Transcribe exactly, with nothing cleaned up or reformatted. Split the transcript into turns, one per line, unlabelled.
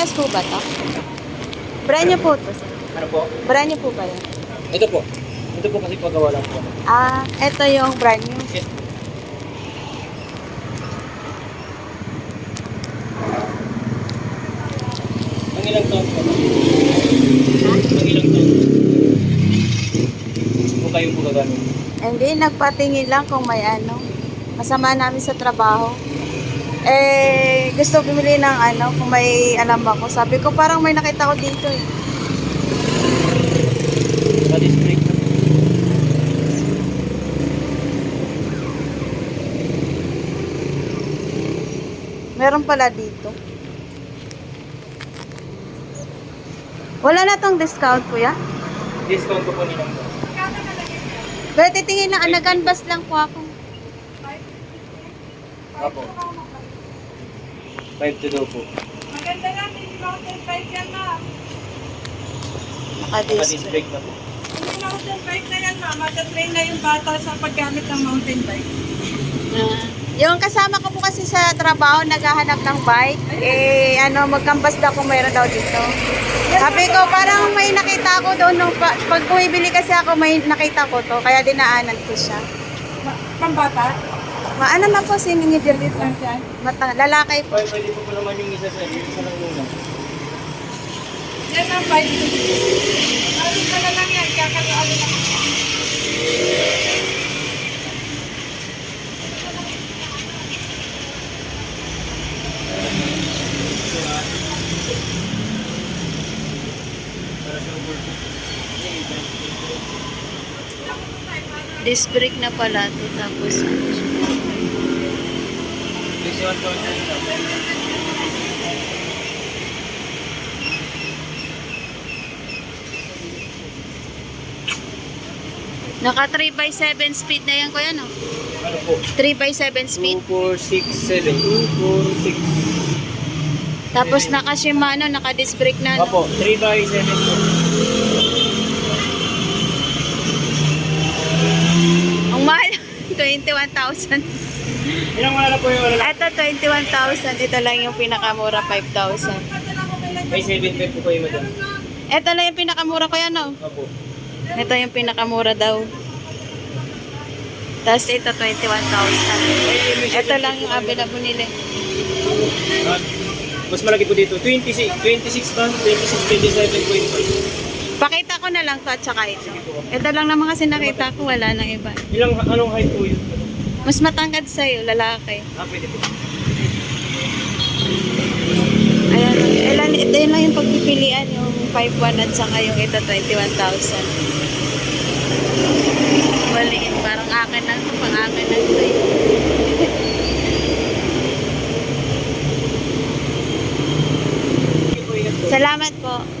Parehas po ba to? Brand new po to. Sir.
Ano po?
Brand new po ba yun?
Ito po. Ito po kasi pagawa lang po.
Ah, ito yung brand new.
Yes. Ang ilang taon po?
Ha?
Ang ilang taon? Kung kayo po gagamit.
Hindi, nagpatingin lang kung may ano. Masama namin sa trabaho. Eh, gusto bumili ng ano, kung may alam ako. Sabi ko, parang may nakita ko dito eh.
Sa district na po.
Meron pala dito. Wala na tong discount, kuya?
Discount ko po nilang po.
Pero titingin lang, nag-unbus lang po ako.
Apo. five to daw po.
Maganda nga, hindi mountain bike yan, ma.
Sa
Naka-disc.
district na po.
Hindi mountain bike na yan, ma. Matatrain na yung bata sa paggamit ng mountain bike.
Ah. Yung kasama ko po kasi sa trabaho, naghahanap ng bike. Eh, ano, magkambas daw kung mayroon daw dito. Sabi ko, parang may nakita ko doon. Nung, pa- pag bumibili kasi ako, may nakita ko to. Kaya dinaanan ko siya.
Ma- Pambata?
Maano na po, siningidil dito.
Lang siya.
Mata, lalaki po.
Pwede, pwede po po naman yung isa sa isa lang muna.
Yan ang bike. Ano ka na lang yan, kakaroon na lang.
Disc brake na pala to. Tapos, ano siya.
Visual content na.
Naka three by seven speed na yan, kuya, no?
Ano po?
three by seven speed.
two, four, six, seven. two, four, six.
Tapos naka Shimano, naka disc brake na, no?
Apo, three by seven po.
Ang mahal. twenty-one thousand.
Ilang wala na po yung wala na.
Ito, twenty-one thousand. Ito lang yung pinakamura, five thousand.
May seven five po kayo madam.
Ito lang yung pinakamura ko yan, no?
Apo.
Ito yung pinakamura daw. Tapos ito, twenty-one thousand. Ito lang yung available nila.
Ah, mas malaki po dito. twenty-six, twenty-six ba? twenty-six, twenty-seven point five.
Pakita ko na lang to at saka ito. Ito lang naman kasi nakita ko, wala nang iba.
Ilang, anong height po yun?
Mas matangkad sa'yo, lalaki.
Ah, pwede po.
Ayan, ilan, ito yun lang yung pagpipilian, yung five one at saka yung ito, twenty-one thousand. Maliit, parang akin lang ito, pang akin lang ito eh. Salamat po.